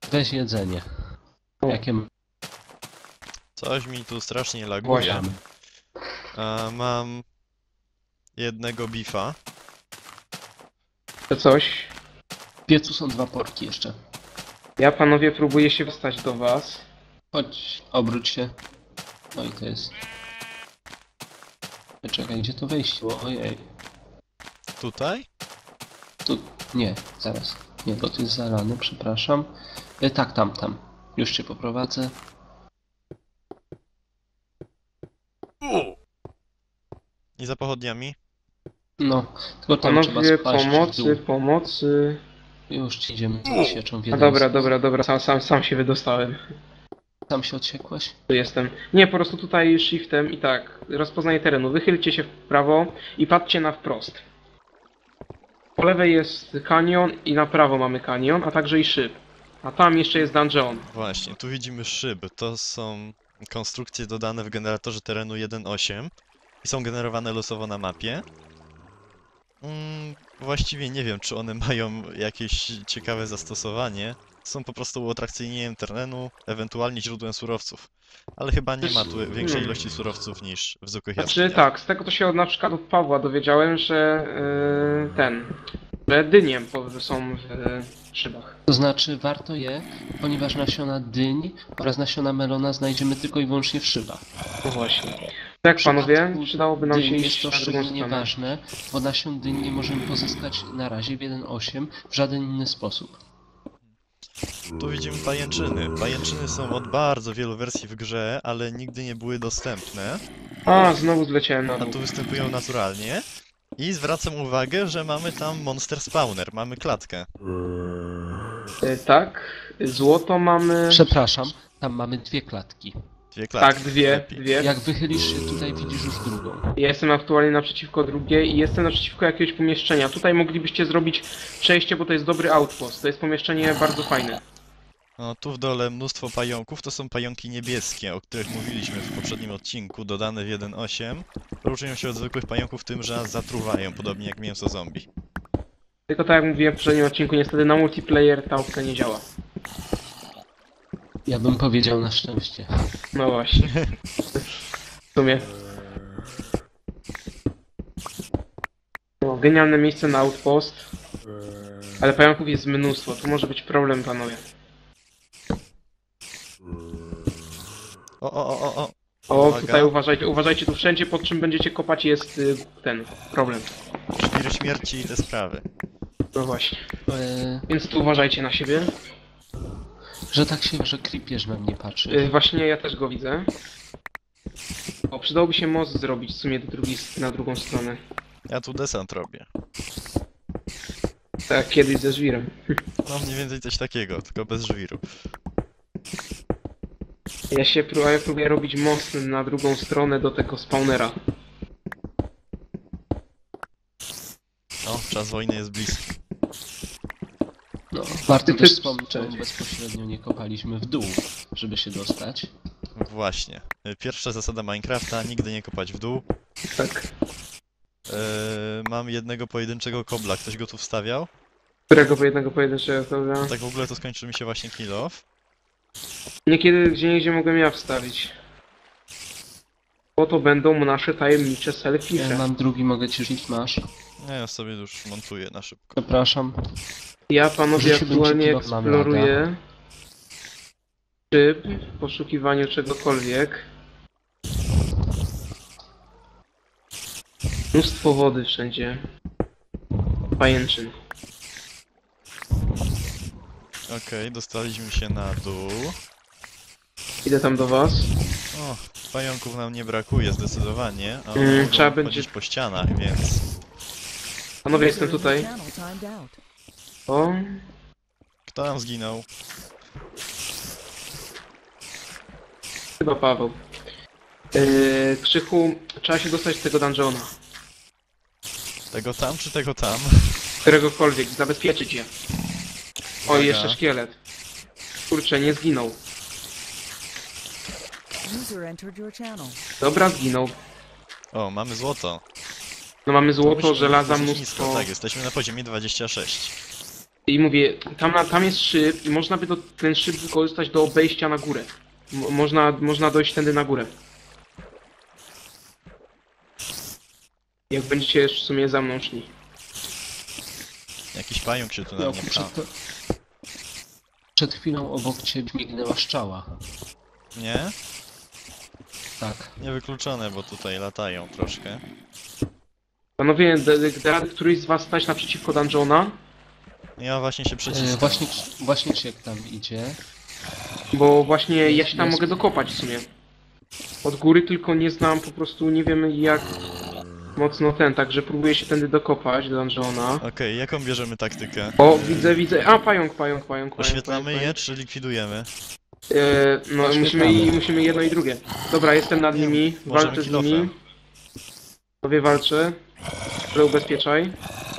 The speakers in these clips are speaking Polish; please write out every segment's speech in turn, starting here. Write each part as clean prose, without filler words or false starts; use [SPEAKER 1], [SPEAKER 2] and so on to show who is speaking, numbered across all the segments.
[SPEAKER 1] Weź jedzenie. Jakie
[SPEAKER 2] Coś mi tu strasznie laguje.
[SPEAKER 1] Właśnie.
[SPEAKER 2] Mam jednego bifa.
[SPEAKER 3] To coś.
[SPEAKER 1] W piecu są 2 porki jeszcze.
[SPEAKER 3] Ja, panowie, próbuję się dostać do was.
[SPEAKER 1] Chodź, obróć się. No i to jest... Czekaj, gdzie to wejście było? Ojej.
[SPEAKER 2] Tutaj?
[SPEAKER 1] Tu... Nie, zaraz. Nie, bo to jest zalane, przepraszam. Tak, tam. Już cię poprowadzę.
[SPEAKER 2] I za pochodniami?
[SPEAKER 1] No, tylko tam trzeba
[SPEAKER 3] Panowie,
[SPEAKER 1] spaść w dół.
[SPEAKER 3] pomocy.
[SPEAKER 1] Już ci idziemy z sieczą w
[SPEAKER 3] A
[SPEAKER 1] jeden
[SPEAKER 3] dobra, sam się wydostałem.
[SPEAKER 1] Tam się odsiekłeś?
[SPEAKER 3] Tu jestem. Nie, po prostu tutaj shiftem i tak, rozpoznaję terenu. Wychylcie się w prawo i patrzcie na wprost. Po lewej jest kanion i na prawo mamy kanion, a także i szyb. A tam jeszcze jest dungeon.
[SPEAKER 2] Właśnie, tu widzimy szyby. To są konstrukcje dodane w generatorze terenu 1.8 i są generowane losowo na mapie. Właściwie nie wiem, czy one mają jakieś ciekawe zastosowanie. Są po prostu uatrakcyjnieniem terenu, ewentualnie źródłem surowców. Ale chyba nie ma tu większej ilości surowców niż w zwykłych
[SPEAKER 3] Znaczy
[SPEAKER 2] jaskiniach.
[SPEAKER 3] tak, z tego to się na przykład od Pawła dowiedziałem, że że dynie są w szybach.
[SPEAKER 1] To znaczy warto je, ponieważ nasiona dyń oraz nasiona melona znajdziemy tylko i wyłącznie w szybach.
[SPEAKER 3] No właśnie. Tak,
[SPEAKER 1] W
[SPEAKER 3] panowie,
[SPEAKER 1] przypadku
[SPEAKER 3] przydałoby nam się
[SPEAKER 1] dyń
[SPEAKER 3] iść
[SPEAKER 1] jest to
[SPEAKER 3] na drugą
[SPEAKER 1] szczególnie
[SPEAKER 3] stronę.
[SPEAKER 1] ważne, bo nasion dyń nie możemy pozyskać na razie w 1.8 w żaden inny sposób.
[SPEAKER 2] Tu widzimy pajęczyny. Pajęczyny są od bardzo wielu wersji w grze, ale nigdy nie były dostępne,
[SPEAKER 3] A, znowu zleciałem na
[SPEAKER 2] a
[SPEAKER 3] dół.
[SPEAKER 2] tu występują naturalnie. I zwracam uwagę, że mamy tam monster spawner, mamy klatkę.
[SPEAKER 3] Tak, złoto mamy...
[SPEAKER 1] Przepraszam, tam mamy 2 klatki.
[SPEAKER 2] Dwie klatki.
[SPEAKER 3] Tak, dwie.
[SPEAKER 2] lepiej.
[SPEAKER 1] Jak wychylisz się tutaj, widzisz już drugą.
[SPEAKER 3] Ja jestem aktualnie naprzeciwko drugiej i jestem naprzeciwko jakiegoś pomieszczenia. Tutaj moglibyście zrobić przejście, bo to jest dobry outpost. To jest pomieszczenie bardzo fajne.
[SPEAKER 2] No, tu w dole mnóstwo pająków, to są pająki niebieskie, o których mówiliśmy w poprzednim odcinku, dodane w 1.8. Różnią się od zwykłych pająków tym, że nas zatruwają, podobnie jak mięso zombie.
[SPEAKER 3] Tylko tak jak mówiłem w poprzednim odcinku, niestety na multiplayer ta opcja nie działa.
[SPEAKER 1] Ja bym powiedział na szczęście.
[SPEAKER 3] No właśnie. W sumie. No, genialne miejsce na outpost. Ale pająków jest mnóstwo, tu może być problem, panowie.
[SPEAKER 2] O.
[SPEAKER 3] O,
[SPEAKER 2] Uwaga.
[SPEAKER 3] tutaj uważajcie, tu wszędzie pod czym będziecie kopać jest ten problem.
[SPEAKER 2] Szwiry śmierci i te sprawy.
[SPEAKER 3] No właśnie.
[SPEAKER 1] Eee,
[SPEAKER 3] Więc tu uważajcie na siebie.
[SPEAKER 1] że tak się, że creepierz na mnie patrzy.
[SPEAKER 3] Właśnie ja też go widzę. O, przydałoby się most zrobić w sumie na drugą stronę.
[SPEAKER 2] Ja tu desant robię.
[SPEAKER 3] Tak jak kiedyś ze żwirem.
[SPEAKER 2] No mniej więcej coś takiego, tylko bez żwiru.
[SPEAKER 3] Ja próbuję robić most na drugą stronę do tego spawnera.
[SPEAKER 2] O, czas wojny jest bliski.
[SPEAKER 1] No, warto
[SPEAKER 3] Ty-
[SPEAKER 1] też
[SPEAKER 3] ty-
[SPEAKER 1] wspomnieć, czemu bezpośrednio nie kopaliśmy w dół, żeby się dostać.
[SPEAKER 2] Właśnie. Pierwsza zasada Minecrafta, nigdy nie kopać w dół.
[SPEAKER 3] Tak.
[SPEAKER 2] Mam jednego pojedynczego kobla, ktoś go tu wstawiał?
[SPEAKER 3] Którego po jednego pojedynczego, prawda?
[SPEAKER 2] Tak w ogóle to skończy mi się właśnie kill off.
[SPEAKER 3] Niekiedy gdzieniegdzie mogłem ja wstawić. Bo to będą nasze tajemnicze
[SPEAKER 1] Ja
[SPEAKER 3] selfie.
[SPEAKER 1] mam drugi, mogę ci rzucić, masz.
[SPEAKER 2] Nie, ja sobie już montuję na szybko.
[SPEAKER 1] Przepraszam.
[SPEAKER 3] Ja, panowie,
[SPEAKER 1] Rzuciłbym ci
[SPEAKER 3] aktualnie
[SPEAKER 1] kilo, mam
[SPEAKER 3] eksploruję szyb w poszukiwaniu czegokolwiek. Mnóstwo wody wszędzie. Pajęczyn.
[SPEAKER 2] Okej, dostaliśmy się na dół.
[SPEAKER 3] Idę tam do was.
[SPEAKER 2] O, pająków nam nie brakuje zdecydowanie, a
[SPEAKER 3] Mm,
[SPEAKER 2] mogą
[SPEAKER 3] trzeba
[SPEAKER 2] chodzić
[SPEAKER 3] będzie-
[SPEAKER 2] po ścianach, więc...
[SPEAKER 3] Panowie, jestem tutaj. O,
[SPEAKER 2] Kto nam zginął?
[SPEAKER 3] chyba Paweł. Krzychu, trzeba się dostać z tego dungeona.
[SPEAKER 2] Tego tam czy tego tam?
[SPEAKER 3] Któregokolwiek, zabezpieczyć je. O,
[SPEAKER 2] Uwaga.
[SPEAKER 3] i jeszcze szkielet. Kurczę, nie zginął.
[SPEAKER 4] User entered your channel.
[SPEAKER 3] Dobra, zginął.
[SPEAKER 2] O, mamy złoto.
[SPEAKER 3] No mamy
[SPEAKER 2] To
[SPEAKER 3] złoto,
[SPEAKER 2] musimy
[SPEAKER 3] żelaza,
[SPEAKER 2] dosyć
[SPEAKER 3] mnóstwo.
[SPEAKER 2] nisko, tak, jesteśmy na poziomie 26.
[SPEAKER 3] I mówię, tam jest szyb i można by ten szyb wykorzystać do obejścia na górę. Można dojść tędy na górę. Jak będziecie w sumie za mną szli.
[SPEAKER 2] Jakiś pająk się tu na
[SPEAKER 1] No,
[SPEAKER 2] mnie pcha.
[SPEAKER 1] przed chwilą obok ciebie mignęła szczała.
[SPEAKER 2] Nie?
[SPEAKER 1] Tak.
[SPEAKER 2] Niewykluczone, bo tutaj latają troszkę.
[SPEAKER 3] Panowie, da któryś z was stać naprzeciwko dungeona?
[SPEAKER 2] Ja właśnie się przeciskam.
[SPEAKER 1] Właśnie Krzyk tam idzie.
[SPEAKER 3] Bo właśnie ja się tam
[SPEAKER 1] Jest.
[SPEAKER 3] mogę dokopać w sumie. Od góry tylko nie znam, po prostu nie wiem jak mocno także próbuję się tędy dokopać do dungeona.
[SPEAKER 2] Okej, jaką bierzemy taktykę?
[SPEAKER 3] O, widzę. A, pająk.
[SPEAKER 2] Oświetlamy je,
[SPEAKER 3] pająk.
[SPEAKER 2] czy likwidujemy?
[SPEAKER 3] No, musimy jedno i drugie. Dobra, jestem nad nimi,
[SPEAKER 2] Możemy
[SPEAKER 3] walczę z
[SPEAKER 2] kilofem.
[SPEAKER 3] nimi. Tobie walczę. Ale ubezpieczaj.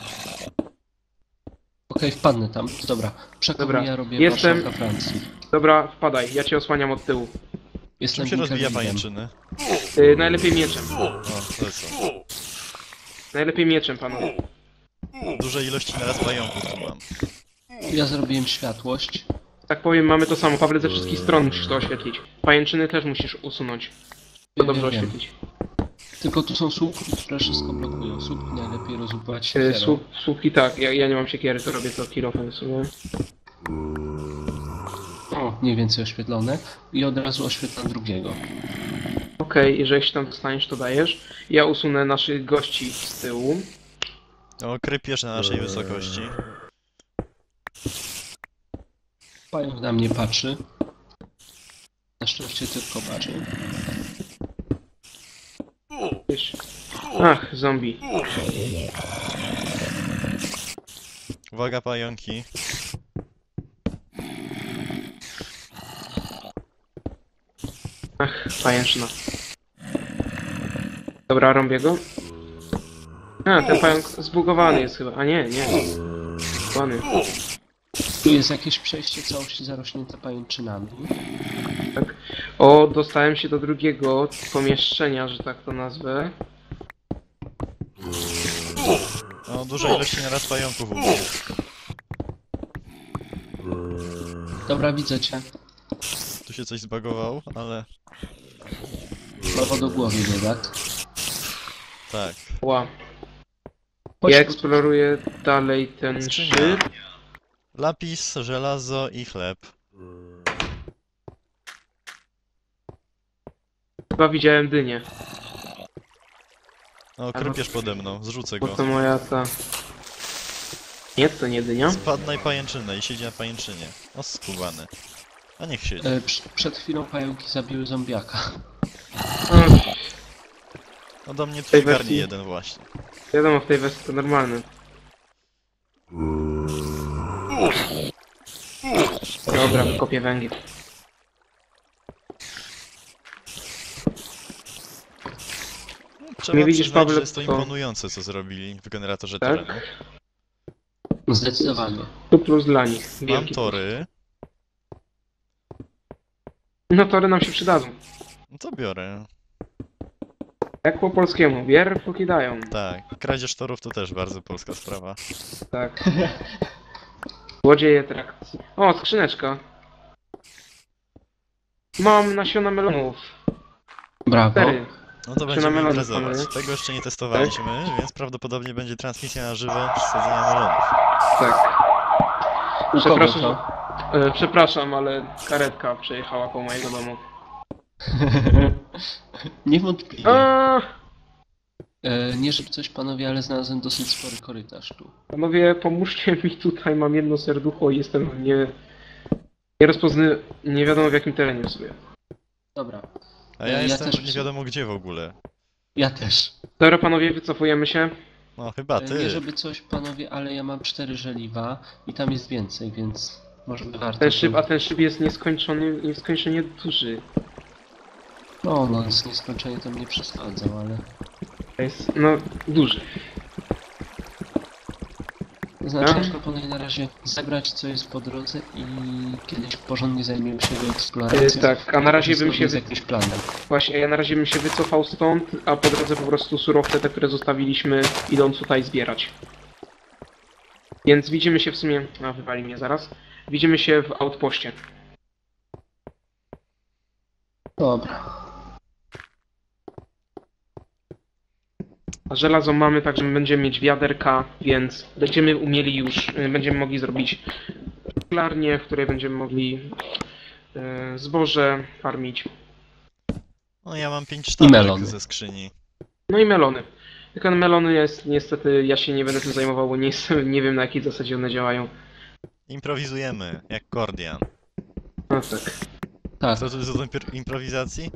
[SPEAKER 1] Okej, wpadnę tam. Dobra. Przekazuję,
[SPEAKER 3] Dobra.
[SPEAKER 1] ja robię
[SPEAKER 3] Jestem-
[SPEAKER 1] Warszawka Francji.
[SPEAKER 3] Dobra, wpadaj, ja cię osłaniam od tyłu.
[SPEAKER 1] Jestem
[SPEAKER 2] Czym się rozwija
[SPEAKER 1] Winkelrigiem.
[SPEAKER 2] pajęczyny?
[SPEAKER 3] Najlepiej mieczem.
[SPEAKER 2] O, lecą.
[SPEAKER 3] Najlepiej mieczem, panowie.
[SPEAKER 2] Duże ilości naraz pająków tu mam.
[SPEAKER 1] Ja zrobiłem światłość.
[SPEAKER 3] Tak powiem, mamy to samo. Pawle, ze wszystkich stron musisz to oświetlić. Pajęczyny też musisz usunąć. To dobrze
[SPEAKER 1] Wiem.
[SPEAKER 3] oświetlić.
[SPEAKER 1] Tylko tu są słupki, które wszystko blokują. Słupki najlepiej rozłupować się.
[SPEAKER 3] Słupki tak, ja nie mam siekiery, to robię to kilofem w sumie.
[SPEAKER 1] O, mniej więcej oświetlone. I od razu oświetlam drugiego.
[SPEAKER 3] Okej, jeżeli się tam dostaniesz, to dajesz. Ja usunę naszych gości z tyłu.
[SPEAKER 2] O, krypierz na naszej wysokości.
[SPEAKER 1] Pająk na mnie patrzy. Na szczęście tylko patrzy.
[SPEAKER 3] Wiesz. Ach, zombie.
[SPEAKER 2] Uwaga, pająki.
[SPEAKER 3] Ach, pajęczyna. Dobra, rąbię go. A, ten pająk zbugowany jest chyba. A nie. Zbugowany.
[SPEAKER 1] Tu jest jakieś przejście całości zarośnięte pajęczynami.
[SPEAKER 3] Tak. O, dostałem się do drugiego pomieszczenia, że tak to nazwę.
[SPEAKER 2] O, duże ilości naraz pająków ubił.
[SPEAKER 1] Dobra, widzę cię.
[SPEAKER 2] Tu się coś zbagował, ale...
[SPEAKER 1] Prawo do głowy, biedak.
[SPEAKER 2] Tak.
[SPEAKER 3] Ła.
[SPEAKER 1] Chodź
[SPEAKER 3] Ja
[SPEAKER 1] tu.
[SPEAKER 3] eksploruję dalej ten
[SPEAKER 2] Skrzynia.
[SPEAKER 3] szyb.
[SPEAKER 2] Lapis, żelazo i chleb.
[SPEAKER 3] Chyba widziałem dynię.
[SPEAKER 2] O, krypierz pode mną, zrzucę
[SPEAKER 3] Bo
[SPEAKER 2] go.
[SPEAKER 3] to moja ta... Nie, to nie dynia.
[SPEAKER 2] Spadł na pajęczynę i siedzi na pajęczynie. O, skubany. A niech siedzi.
[SPEAKER 1] Przed chwilą pająki zabiły zombiaka.
[SPEAKER 2] No do mnie tu
[SPEAKER 3] tej
[SPEAKER 2] w garni
[SPEAKER 3] wersji-
[SPEAKER 2] jeden właśnie.
[SPEAKER 3] Wiadomo, w tej wersji to normalne. Dobra, kopię węgiel.
[SPEAKER 2] Trzeba
[SPEAKER 3] Nie widzisz,
[SPEAKER 2] przyznać,
[SPEAKER 3] Pawle,
[SPEAKER 2] że jest to
[SPEAKER 3] co-
[SPEAKER 2] imponujące, co zrobili w generatorze
[SPEAKER 3] Tak?
[SPEAKER 2] terenu.
[SPEAKER 1] Zdecydowanie.
[SPEAKER 3] Tu plus dla nich.
[SPEAKER 2] Mam
[SPEAKER 3] Wielki
[SPEAKER 2] tory.
[SPEAKER 3] plus. No tory nam się przydadzą.
[SPEAKER 2] No to biorę.
[SPEAKER 3] Jak po polskiemu, bier póki dają.
[SPEAKER 2] Tak. Kradzież torów to też bardzo polska sprawa.
[SPEAKER 3] Tak. Złodzieje trakcji. O, skrzyneczka. Mam nasiona melonów.
[SPEAKER 1] Brawo.
[SPEAKER 3] 4.
[SPEAKER 2] No to
[SPEAKER 3] Czy
[SPEAKER 2] będziemy
[SPEAKER 3] na melony,
[SPEAKER 2] imprezować.
[SPEAKER 3] panowie?
[SPEAKER 2] Tego jeszcze nie testowaliśmy, więc prawdopodobnie będzie transmisja na żywo z sadzenia melonów.
[SPEAKER 3] Tak.
[SPEAKER 1] U kogo
[SPEAKER 3] Przepraszam,
[SPEAKER 1] to?
[SPEAKER 3] przepraszam, ale karetka przejechała koło mojego domu.
[SPEAKER 1] Niewątpliwie.
[SPEAKER 3] A,
[SPEAKER 2] Mm.
[SPEAKER 1] Nie żeby coś panowie, ale znalazłem dosyć spory korytarz tu.
[SPEAKER 3] panowie, pomóżcie mi tutaj, mam jedno serducho i jestem nie wiadomo w jakim terenie w sobie.
[SPEAKER 1] Dobra.
[SPEAKER 2] A ja
[SPEAKER 1] Ja
[SPEAKER 2] jestem
[SPEAKER 1] też
[SPEAKER 2] nie wiadomo gdzie w ogóle.
[SPEAKER 1] Ja też.
[SPEAKER 3] Dobra, panowie, wycofujemy się.
[SPEAKER 2] No chyba
[SPEAKER 1] Nie
[SPEAKER 2] ty.
[SPEAKER 1] żeby coś panowie, ale ja mam 4 żeliwa i tam jest więcej, więc może by warto...
[SPEAKER 3] A ten szyb jest nieskończenie duży.
[SPEAKER 1] No, z nieskończenie to mnie przesadzał, ale...
[SPEAKER 3] To jest, no, duży.
[SPEAKER 1] Znaczy,
[SPEAKER 3] A?
[SPEAKER 1] ja proponuję na razie zebrać co jest po drodze i kiedyś porządnie zajmiemy się eksploracją.
[SPEAKER 3] Tak, a na razie bym się
[SPEAKER 1] z jakimś planem.
[SPEAKER 3] Właśnie, ja na razie bym się wycofał stąd, a po drodze po prostu surowce te, które zostawiliśmy, idąc tutaj zbierać. Więc widzimy się w sumie... A, wywali mnie zaraz. Widzimy się w outpoście.
[SPEAKER 1] Dobra.
[SPEAKER 3] A żelazo mamy, także będziemy mieć wiaderka, więc będziemy umieli już... Będziemy mogli zrobić szklarnię, w której będziemy mogli zboże farmić.
[SPEAKER 2] No ja mam 5
[SPEAKER 1] I
[SPEAKER 2] sztabek
[SPEAKER 1] melony.
[SPEAKER 2] ze skrzyni.
[SPEAKER 3] No i melony. Tylko melony jest niestety, ja się nie będę tym zajmował, bo nie wiem na jakiej zasadzie one działają.
[SPEAKER 2] Improwizujemy, jak Kordian.
[SPEAKER 3] No tak.
[SPEAKER 1] Tak,
[SPEAKER 2] Co to jest do improwizacji?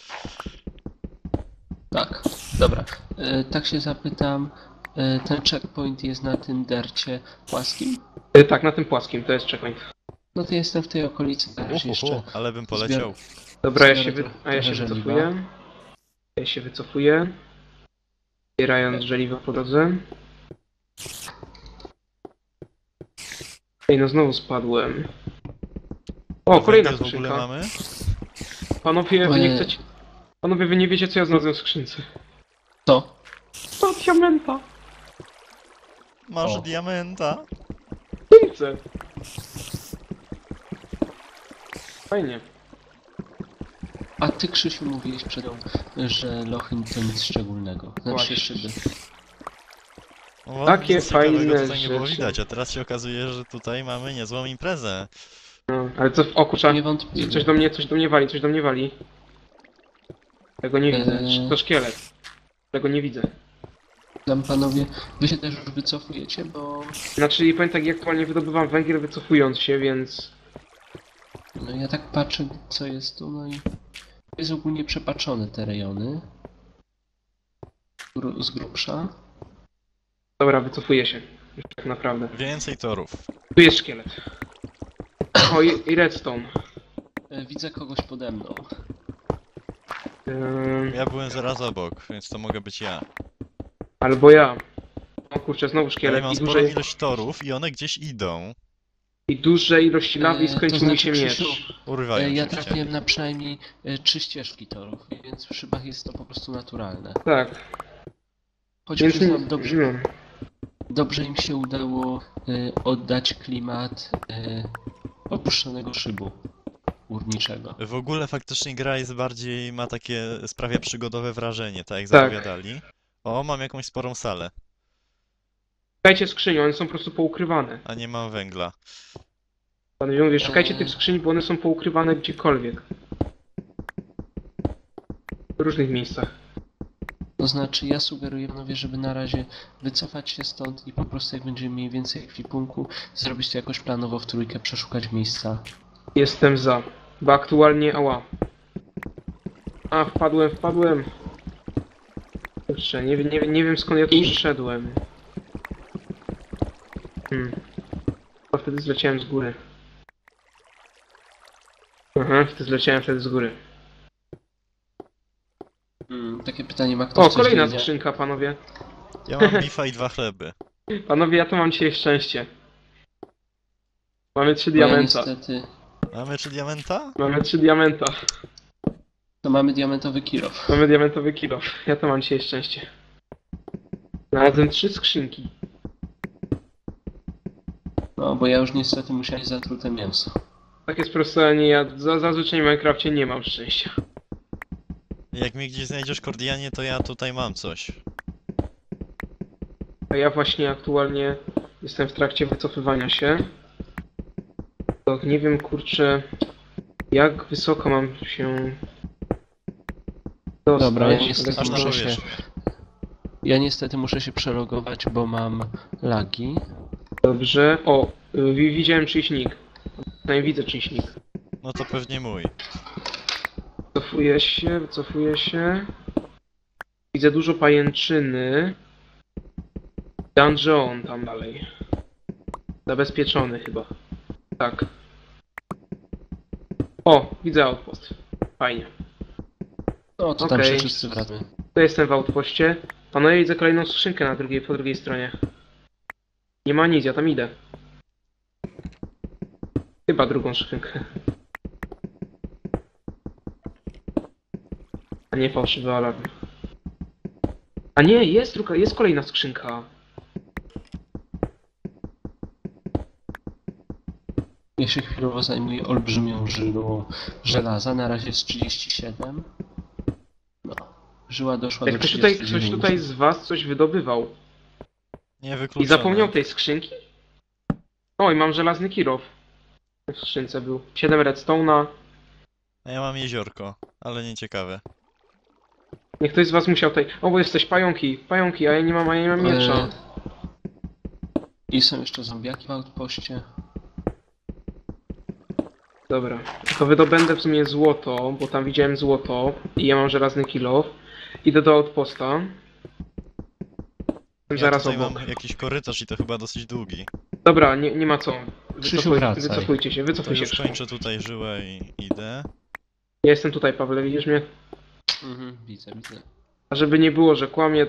[SPEAKER 1] tak. Dobra. Tak się zapytam. Ten checkpoint jest na tym dercie płaskim?
[SPEAKER 3] Tak, na tym płaskim, to jest checkpoint.
[SPEAKER 1] No to jestem w tej okolicy też jeszcze.
[SPEAKER 2] Ale bym poleciał.
[SPEAKER 3] Dobra,
[SPEAKER 1] Zbiorę
[SPEAKER 3] a ja się
[SPEAKER 1] trochę
[SPEAKER 3] wycofuję. Ja się wycofuję. Zbierając żeliwo po drodze. Ej, no znowu spadłem. O, kolejna
[SPEAKER 2] Węgiel w ogóle
[SPEAKER 3] skrzynka.
[SPEAKER 2] mamy?
[SPEAKER 3] Panowie, wy nie
[SPEAKER 1] Ojej.
[SPEAKER 3] chcecie... Panowie, wy nie wiecie, co ja znalazłem w skrzynce.
[SPEAKER 1] To?
[SPEAKER 3] To diamenta.
[SPEAKER 2] Masz
[SPEAKER 1] O.
[SPEAKER 2] diamenta?
[SPEAKER 3] Skrzynce. Fajnie.
[SPEAKER 1] A ty, Krzysiu, mówiłeś przed nią, że lochy to nic szczególnego. Znaczy
[SPEAKER 3] Właśnie.
[SPEAKER 1] szyby.
[SPEAKER 2] No,
[SPEAKER 3] Takie
[SPEAKER 2] nic ciekawego
[SPEAKER 3] fajne
[SPEAKER 2] tutaj nie było
[SPEAKER 3] rzeczy.
[SPEAKER 2] widać, a teraz się okazuje, że tutaj mamy niezłą imprezę.
[SPEAKER 3] No, ale co... O kurczę,
[SPEAKER 1] Nie wątpię.
[SPEAKER 3] coś do mnie wali, coś do mnie wali. Tego nie widzę. To szkielet. Tego nie widzę.
[SPEAKER 1] Tam panowie, wy się też już wycofujecie, bo
[SPEAKER 3] Znaczy, i powiem tak, ja aktualnie wydobywam węgiel wycofując się, więc...
[SPEAKER 1] no ja tak patrzę, co jest tu, no i jest ogólnie przepaczone te rejony. Z grubsza.
[SPEAKER 3] Dobra, wycofuję się. Już tak naprawdę.
[SPEAKER 2] Więcej torów.
[SPEAKER 3] Tu jest szkielet. O, i redstone.
[SPEAKER 1] Widzę kogoś pode mną.
[SPEAKER 2] Ja byłem zaraz obok, więc to mogę być ja.
[SPEAKER 3] Albo ja. O kurczę, znowu
[SPEAKER 2] Ale
[SPEAKER 3] szkielet
[SPEAKER 2] mam
[SPEAKER 3] i
[SPEAKER 2] sporą
[SPEAKER 3] duże,
[SPEAKER 2] ilość torów i one gdzieś idą.
[SPEAKER 3] i duże ilości lawy i
[SPEAKER 1] To
[SPEAKER 3] skończył mi
[SPEAKER 1] znaczy,
[SPEAKER 3] się miecz.
[SPEAKER 1] Krzysiu,
[SPEAKER 2] Urywają
[SPEAKER 1] ja
[SPEAKER 2] się cię.
[SPEAKER 1] trafiłem na przynajmniej 3 ścieżki torów, więc w szybach jest to po prostu naturalne.
[SPEAKER 3] Tak,
[SPEAKER 1] Choć
[SPEAKER 3] więc...
[SPEAKER 1] przyznam, dobrze,
[SPEAKER 3] No.
[SPEAKER 1] dobrze im się udało oddać klimat opuszczonego szybu górniczego.
[SPEAKER 2] W ogóle faktycznie gra jest bardziej, ma takie, sprawia przygodowe wrażenie, tak jak
[SPEAKER 3] Tak.
[SPEAKER 2] zapowiadali. O, mam jakąś sporą salę,
[SPEAKER 3] Szukajcie skrzyni, one są po prostu poukrywane.
[SPEAKER 2] a nie mam węgla.
[SPEAKER 3] Panowie mówię, szukajcie tych skrzyni, bo one są poukrywane gdziekolwiek. W różnych miejscach.
[SPEAKER 1] To znaczy, ja sugeruję panowie, żeby na razie wycofać się stąd i po prostu jak będziemy mieli więcej ekwipunku, zrobić to jakoś planowo w trójkę, przeszukać miejsca.
[SPEAKER 3] Jestem za. Bo aktualnie... Ała. A, wpadłem. Kurczę, nie wiem skąd ja tu przyszedłem. A wtedy zleciałem z góry. Aha, zleciałem wtedy z góry.
[SPEAKER 1] Takie pytanie, ma ktoś
[SPEAKER 3] O,
[SPEAKER 1] coś
[SPEAKER 3] kolejna
[SPEAKER 1] wiedzieć?
[SPEAKER 3] skrzynka, panowie.
[SPEAKER 2] Ja mam bifa i 2 chleby.
[SPEAKER 3] Panowie, ja tu mam dzisiaj szczęście. Mamy 3
[SPEAKER 1] Bo ja
[SPEAKER 3] diamenta.
[SPEAKER 1] niestety,
[SPEAKER 2] Mamy 3 diamenta?
[SPEAKER 3] Mamy 3 diamenta.
[SPEAKER 1] to mamy diamentowy kilof.
[SPEAKER 3] Mamy diamentowy kilo. Ja to mam dzisiaj szczęście. Znalazłem 3 skrzynki.
[SPEAKER 1] No, bo ja już niestety musiałem zatrute mięso.
[SPEAKER 3] Takie sprostowanie, ja zazwyczaj w Minecrafcie nie mam szczęścia.
[SPEAKER 2] Jak mnie gdzieś znajdziesz, Kordianie, to ja tutaj mam coś.
[SPEAKER 3] A ja właśnie aktualnie jestem w trakcie wycofywania się. To nie wiem, kurczę, jak wysoko mam się dostać.
[SPEAKER 1] Dobra, ja niestety
[SPEAKER 2] Aż na
[SPEAKER 1] muszę się,
[SPEAKER 2] powierzchnię.
[SPEAKER 1] ja niestety muszę się przelogować, bo mam lagi.
[SPEAKER 3] Dobrze. O, widziałem czyjś nick. Przynajmniej widzę czyjś nick.
[SPEAKER 2] No to pewnie mój.
[SPEAKER 3] Wycofuję się. Widzę dużo pajęczyny. Dungeon tam dalej. Zabezpieczony chyba. Tak. O, widzę outpost. Fajnie.
[SPEAKER 1] No, to tam
[SPEAKER 3] Okej.
[SPEAKER 1] się wszyscy wracamy.
[SPEAKER 3] To jestem w outpoście. Panowie, widzę kolejną skrzynkę po drugiej stronie. Nie ma nic, ja tam idę. Chyba drugą skrzynkę. A nie fałszywy alarm. A nie, jest kolejna skrzynka.
[SPEAKER 1] Ja się chwilowo zajmuję olbrzymią żyłą żelaza, na razie jest 37. No, żyła doszła do
[SPEAKER 3] Jak ktoś
[SPEAKER 1] 39.
[SPEAKER 3] tutaj z was coś wydobywał
[SPEAKER 2] Nie
[SPEAKER 3] i
[SPEAKER 2] wykluczone.
[SPEAKER 3] zapomniał tej skrzynki? Oj, mam żelazny kilof. W skrzynce był. 7 redstone'a.
[SPEAKER 2] A ja mam jeziorko, ale nie ciekawe.
[SPEAKER 3] Niech ktoś z was musiał tutaj... O, bo jesteś pająki, a ja nie mam miecza.
[SPEAKER 1] I są jeszcze zombiaki w outpoście.
[SPEAKER 3] Dobra, to wydobędę w sumie złoto, bo tam widziałem złoto i ja mam żelazny kilof. Idę do outposta. Jestem
[SPEAKER 2] Ja
[SPEAKER 3] zaraz
[SPEAKER 2] tutaj
[SPEAKER 3] obok.
[SPEAKER 2] mam jakiś korytarz i to chyba dosyć długi.
[SPEAKER 3] Dobra, nie ma co.
[SPEAKER 1] Krzysiu, wracaj.
[SPEAKER 3] Wycofujcie się,
[SPEAKER 2] To
[SPEAKER 3] wycofujcie
[SPEAKER 2] już
[SPEAKER 3] się.
[SPEAKER 2] kończę tutaj żyłę i idę.
[SPEAKER 3] Ja jestem tutaj, Pawle, widzisz mnie?
[SPEAKER 1] Widzę.
[SPEAKER 3] A żeby nie było, że kłamie,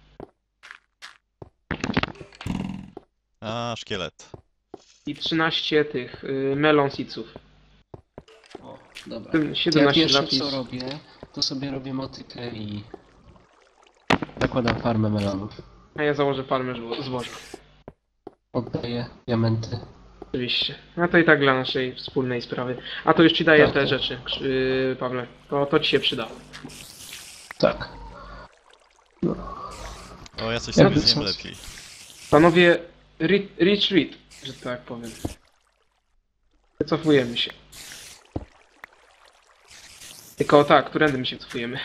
[SPEAKER 2] A, szkielet.
[SPEAKER 3] i 13 tych melon seedsów.
[SPEAKER 1] O, dobra.
[SPEAKER 3] Tym
[SPEAKER 1] To ja
[SPEAKER 3] 17
[SPEAKER 1] pierwsze
[SPEAKER 3] zapis.
[SPEAKER 1] co robię, to sobie robię motykę i zakładam farmę melonów.
[SPEAKER 3] A ja założę farmę zboża.
[SPEAKER 1] Oddaję diamenty.
[SPEAKER 3] Oczywiście. A to i tak dla naszej wspólnej sprawy. A to już ci daję
[SPEAKER 1] Tak,
[SPEAKER 3] te
[SPEAKER 1] tak.
[SPEAKER 3] rzeczy, Pawle. To ci się przyda.
[SPEAKER 1] Tak.
[SPEAKER 2] O, ja coś
[SPEAKER 1] Ja
[SPEAKER 2] sobie
[SPEAKER 1] bym
[SPEAKER 2] zjem
[SPEAKER 1] coś-
[SPEAKER 2] lepiej.
[SPEAKER 3] Panowie, retreat, że tak powiem. Wycofujemy się. Tylko tak, którędy my się cofujemy?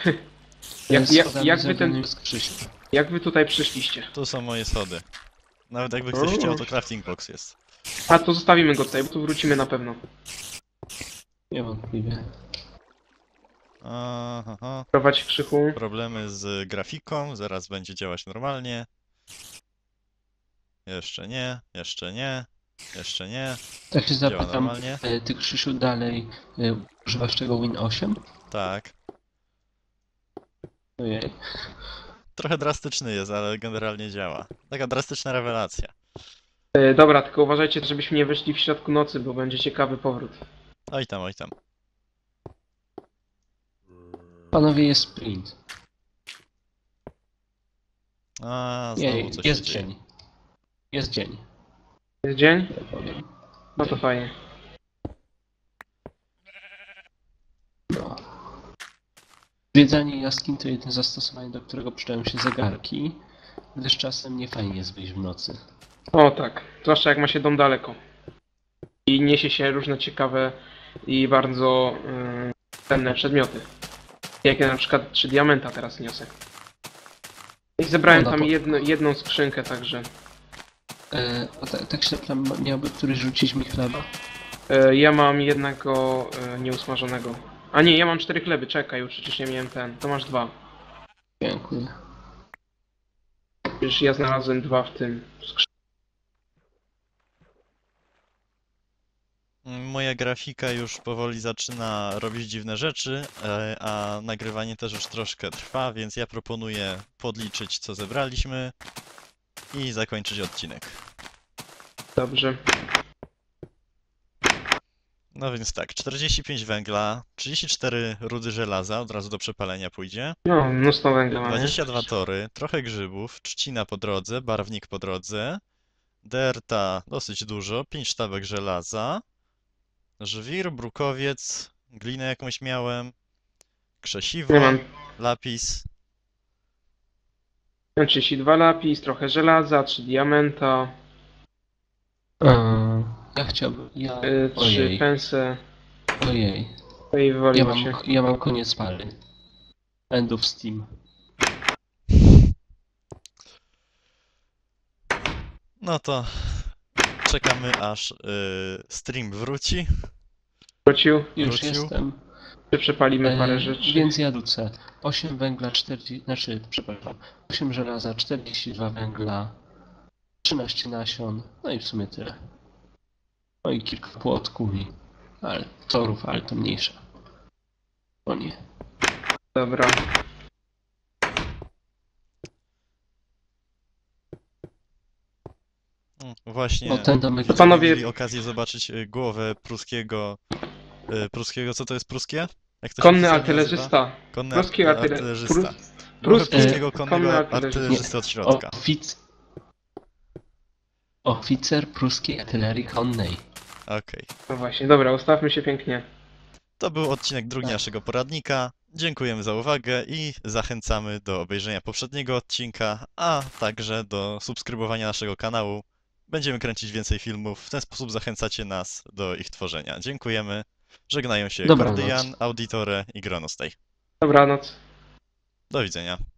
[SPEAKER 3] Jak wy tutaj przyszliście?
[SPEAKER 2] Tu są moje schody. Nawet jakby ktoś
[SPEAKER 3] O.
[SPEAKER 2] chciał, to crafting box jest.
[SPEAKER 3] A to zostawimy go tutaj, bo tu wrócimy na pewno.
[SPEAKER 1] Niewątpliwie.
[SPEAKER 2] Aha,
[SPEAKER 3] Prowadź Krzychu.
[SPEAKER 2] problemy z grafiką, zaraz będzie działać normalnie. Jeszcze nie, jeszcze nie, jeszcze nie.
[SPEAKER 1] Tak się
[SPEAKER 2] Działa
[SPEAKER 1] zapytam,
[SPEAKER 2] normalnie.
[SPEAKER 1] ty Krzysiu dalej używasz tego Win 8?
[SPEAKER 2] Tak.
[SPEAKER 1] Ojej.
[SPEAKER 2] Trochę drastyczny jest, ale generalnie działa. Taka drastyczna rewelacja.
[SPEAKER 3] Dobra, tylko uważajcie, żebyśmy nie wyszli w środku nocy, bo będzie ciekawy powrót.
[SPEAKER 2] Oj tam, oj tam.
[SPEAKER 1] Panowie, jest sprint.
[SPEAKER 2] A, znowu
[SPEAKER 1] Jej,
[SPEAKER 2] coś
[SPEAKER 1] jest
[SPEAKER 2] się dzieje.
[SPEAKER 1] dzień. Jest dzień,
[SPEAKER 3] Jest dzień?
[SPEAKER 1] tak powiem.
[SPEAKER 3] No to fajnie.
[SPEAKER 1] No. Zwiedzanie jaskiń to jedyne zastosowanie, do którego przydają się zegarki, gdyż czasem nie fajnie jest wyjść w nocy.
[SPEAKER 3] O tak, zwłaszcza jak ma się dom daleko. I niesie się różne ciekawe i bardzo cenne przedmioty. Jak ja na przykład 3 diamenta teraz niosę. I zebrałem
[SPEAKER 1] No,
[SPEAKER 3] tam
[SPEAKER 1] no to-
[SPEAKER 3] jedną skrzynkę, także...
[SPEAKER 1] Tak się tam miałby któryś rzucić mi chleba?
[SPEAKER 3] Ja mam jednego nieusmażonego. A nie, ja mam 4 chleby, czekaj, już przecież nie miałem ten. To masz 2.
[SPEAKER 1] Dziękuję.
[SPEAKER 3] Przecież ja znalazłem 2 w tym skrzynce.
[SPEAKER 2] Moja grafika już powoli zaczyna robić dziwne rzeczy, a nagrywanie też już troszkę trwa, więc ja proponuję podliczyć, co zebraliśmy i zakończyć odcinek.
[SPEAKER 3] Dobrze.
[SPEAKER 2] No więc tak, 45 węgla, 34 rudy żelaza, od razu do przepalenia pójdzie,
[SPEAKER 3] No, mnóstwo węgla mamy.
[SPEAKER 2] 22 tory, trochę grzybów, trzcina po drodze, barwnik po drodze, derta dosyć dużo, 5 sztabek żelaza, żwir, brukowiec, glinę jakąś miałem, krzesiwo,
[SPEAKER 3] Ja mam
[SPEAKER 2] lapis.
[SPEAKER 3] 32 lapis, trochę żelaza, 3 diamenta,
[SPEAKER 1] Ja chciałbym...
[SPEAKER 3] 3
[SPEAKER 1] Ojej,
[SPEAKER 3] pense.
[SPEAKER 1] ojej.
[SPEAKER 3] No i wywaliło się.
[SPEAKER 1] Ja mam koniec pary. End of Steam.
[SPEAKER 2] No to czekamy aż stream wróci.
[SPEAKER 3] Wrócił,
[SPEAKER 1] Już
[SPEAKER 2] Wrócił?
[SPEAKER 1] jestem.
[SPEAKER 3] przepalimy parę rzeczy.
[SPEAKER 1] Więc ja rzucę 8 węgla, 40... Znaczy, przepraszam. 8 żelaza, 42 węgla, 13 nasion, no i w sumie tyle. No i kilka płotków i... Ale torów, ale to mniejsza. O nie.
[SPEAKER 3] Dobra.
[SPEAKER 2] Właśnie
[SPEAKER 1] O, ten domek...
[SPEAKER 3] To panowie-
[SPEAKER 2] mieli okazję zobaczyć głowę pruskiego. Pruskiego, co to jest pruskie? Jak to się
[SPEAKER 3] Konny
[SPEAKER 2] oficjalnie
[SPEAKER 3] artylerzysta.
[SPEAKER 2] nazywa? Konny
[SPEAKER 3] Pruski
[SPEAKER 2] artylerzysta. Głowę
[SPEAKER 3] pruski
[SPEAKER 2] pruskiego
[SPEAKER 3] konny
[SPEAKER 2] konnego
[SPEAKER 3] artylerzysta.
[SPEAKER 2] artylerzysty od środka.
[SPEAKER 1] Oficer pruskiej artylerii konnej.
[SPEAKER 2] Okej.
[SPEAKER 3] No właśnie, dobra, ustawmy się pięknie.
[SPEAKER 2] To był odcinek drugi
[SPEAKER 1] Tak.
[SPEAKER 2] naszego poradnika. Dziękujemy za uwagę i zachęcamy do obejrzenia poprzedniego odcinka, a także do subskrybowania naszego kanału. Będziemy kręcić więcej filmów, w ten sposób zachęcacie nas do ich tworzenia. Dziękujemy. Żegnają się
[SPEAKER 1] Dobranoc.
[SPEAKER 2] Kordian, Auditore i Gronostay.
[SPEAKER 3] Dobranoc.
[SPEAKER 2] Do widzenia.